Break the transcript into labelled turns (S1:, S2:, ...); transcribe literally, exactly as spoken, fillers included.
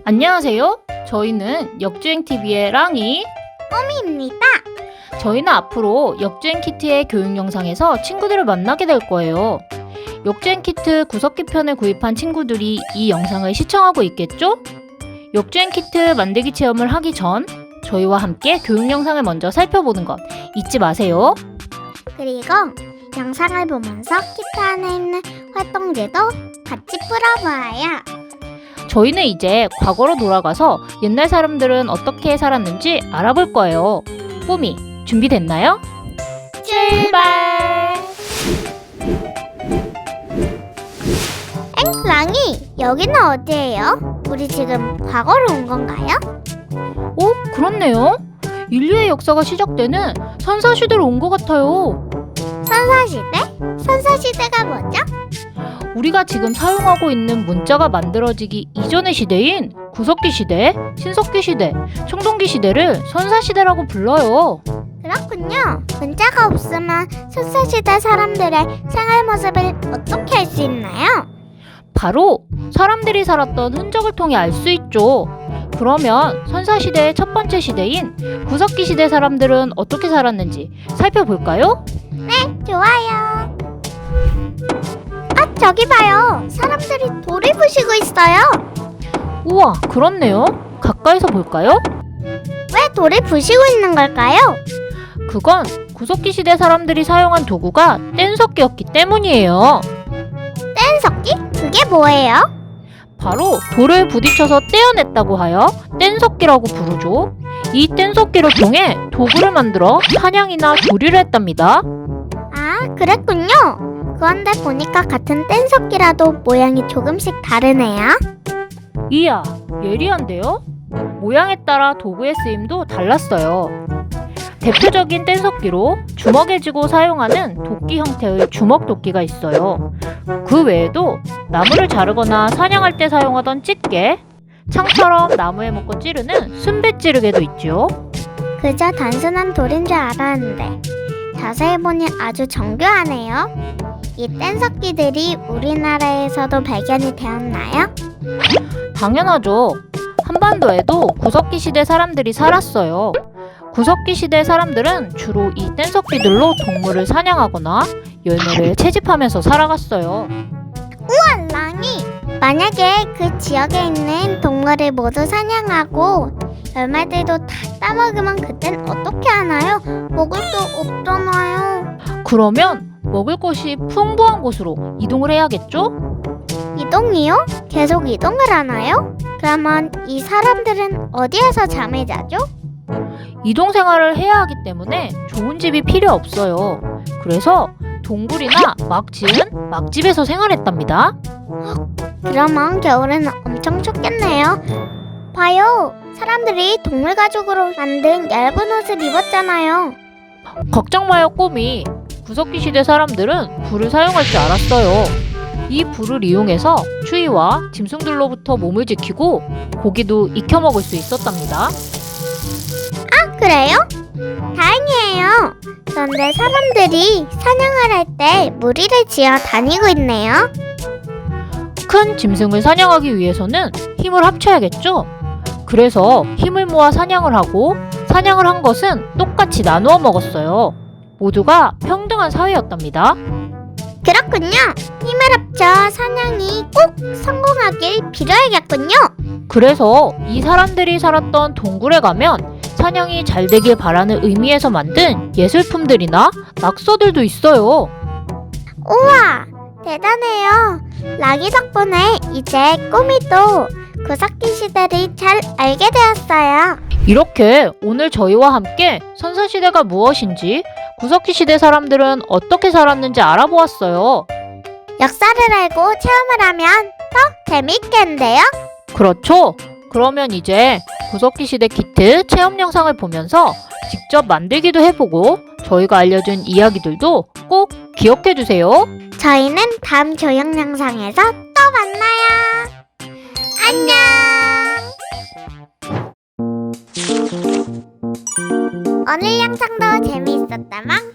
S1: 안녕하세요. 저희는 역주행티비의 랑이
S2: 꼬미입니다.
S1: 저희는 앞으로 역주행 키트의 교육 영상에서 친구들을 만나게 될 거예요. 역주행 키트 구석기 편을 구입한 친구들이 이 영상을 시청하고 있겠죠? 역주행 키트 만들기 체험을 하기 전 저희와 함께 교육 영상을 먼저 살펴보는 것 잊지 마세요.
S2: 그리고 영상을 보면서 키트 안에 있는 활동지도 같이 풀어보아요.
S1: 저희는 이제 과거로 돌아가서 옛날 사람들은 어떻게 살았는지 알아볼 거예요. 꼬미, 준비됐나요? 출발!
S2: 엥? 랑이, 여기는 어디예요? 우리 지금 과거로 온 건가요?
S1: 오, 그렇네요. 인류의 역사가 시작되는 선사시대로 온 것 같아요.
S2: 선사시대? 선사시대가 뭐죠?
S1: 우리가 지금 사용하고 있는 문자가 만들어지기 이전의 시대인 구석기 시대, 신석기 시대, 청동기 시대를 선사시대라고 불러요.
S2: 그렇군요. 문자가 없으면 선사시대 사람들의 생활 모습을 어떻게 알 수 있나요?
S1: 바로 사람들이 살았던 흔적을 통해 알 수 있죠. 그러면 선사시대의 첫 번째 시대인 구석기 시대 사람들은 어떻게 살았는지 살펴볼까요?
S2: 네, 좋아요. 아, 저기 봐요. 사람들이 돌을 부시고 있어요.
S1: 우와, 그렇네요. 가까이서 볼까요?
S2: 왜 돌을 부시고 있는 걸까요?
S1: 그건 구석기 시대 사람들이 사용한 도구가 뗀석기였기 때문이에요.
S2: 뗀석기? 그게 뭐예요?
S1: 바로 돌을 부딪혀서 떼어냈다고 하여 뗀석기라고 부르죠. 이 뗀석기를 통해 도구를 만들어 사냥이나 조리를 했답니다.
S2: 아, 그랬군요. 그런데 보니까 같은 뗀석기라도 모양이 조금씩 다르네요.
S1: 이야, 예리한데요? 모양에 따라 도구의 쓰임도 달랐어요. 대표적인 뗀석기로 주먹에 쥐고 사용하는 도끼 형태의 주먹도끼가 있어요. 그 외에도 나무를 자르거나 사냥할 때 사용하던 찌개, 창처럼 나무에 묶어 찌르는 순배 찌르개도 있죠.
S2: 그저 단순한 돌인 줄 알았는데 자세히 보니 아주 정교하네요. 이 뗀석기들이 우리나라에서도 발견이 되었나요?
S1: 당연하죠. 한반도에도 구석기 시대 사람들이 살았어요. 구석기 시대 사람들은 주로 이 뗀석기들로 동물을 사냥하거나 열매를 채집하면서 살아갔어요.
S2: 우와, 랑이! 만약에 그 지역에 있는 동물을 모두 사냥하고 열매들도 다 따먹으면 그땐 어떻게 하나요? 먹을 게 없잖아요.
S1: 그러면 먹을 것이 풍부한 곳으로 이동을 해야겠죠?
S2: 이동이요? 계속 이동을 하나요? 그러면 이 사람들은 어디에서 잠을 자죠?
S1: 이동 생활을 해야 하기 때문에 좋은 집이 필요 없어요. 그래서 동굴이나 막 지은 막집에서 생활했답니다.
S2: 그러면 겨울에는 엄청 춥겠네요. 봐요. 사람들이 동물 가죽으로 만든 얇은 옷을 입었잖아요.
S1: 걱정 마요, 꼬미. 구석기 시대 사람들은 불을 사용할 줄 알았어요. 이 불을 이용해서 추위와 짐승들로부터 몸을 지키고 고기도 익혀 먹을 수 있었답니다.
S2: 아, 그래요? 다행이에요. 그런데 사람들이 사냥을 할 때 무리를 지어 다니고 있네요.
S1: 큰 짐승을 사냥하기 위해서는 힘을 합쳐야겠죠? 그래서 힘을 모아 사냥을 하고 사냥을 한 것은 똑같이 나누어 먹었어요. 모두가 평등한 사회였답니다.
S2: 그렇군요. 힘을 합쳐 사냥이 꼭 성공하길 빌어야겠군요.
S1: 그래서 이 사람들이 살았던 동굴에 가면 사냥이 잘 되길 바라는 의미에서 만든 예술품들이나 낙서들도 있어요.
S2: 우와, 대단해요. 락이 덕분에 이제 꼬미도 구석기 시대를 잘 알게 되었어요.
S1: 이렇게 오늘 저희와 함께 선사시대가 무엇인지, 구석기 시대 사람들은 어떻게 살았는지 알아보았어요.
S2: 역사를 알고 체험을 하면 더 재미있겠는데요?
S1: 그렇죠? 그러면 이제 구석기 시대 키트 체험 영상을 보면서 직접 만들기도 해보고 저희가 알려준 이야기들도 꼭 기억해주세요.
S2: 저희는 다음 조형 영상에서 또 만나요. 안녕. 오늘 영상도 재미있었다면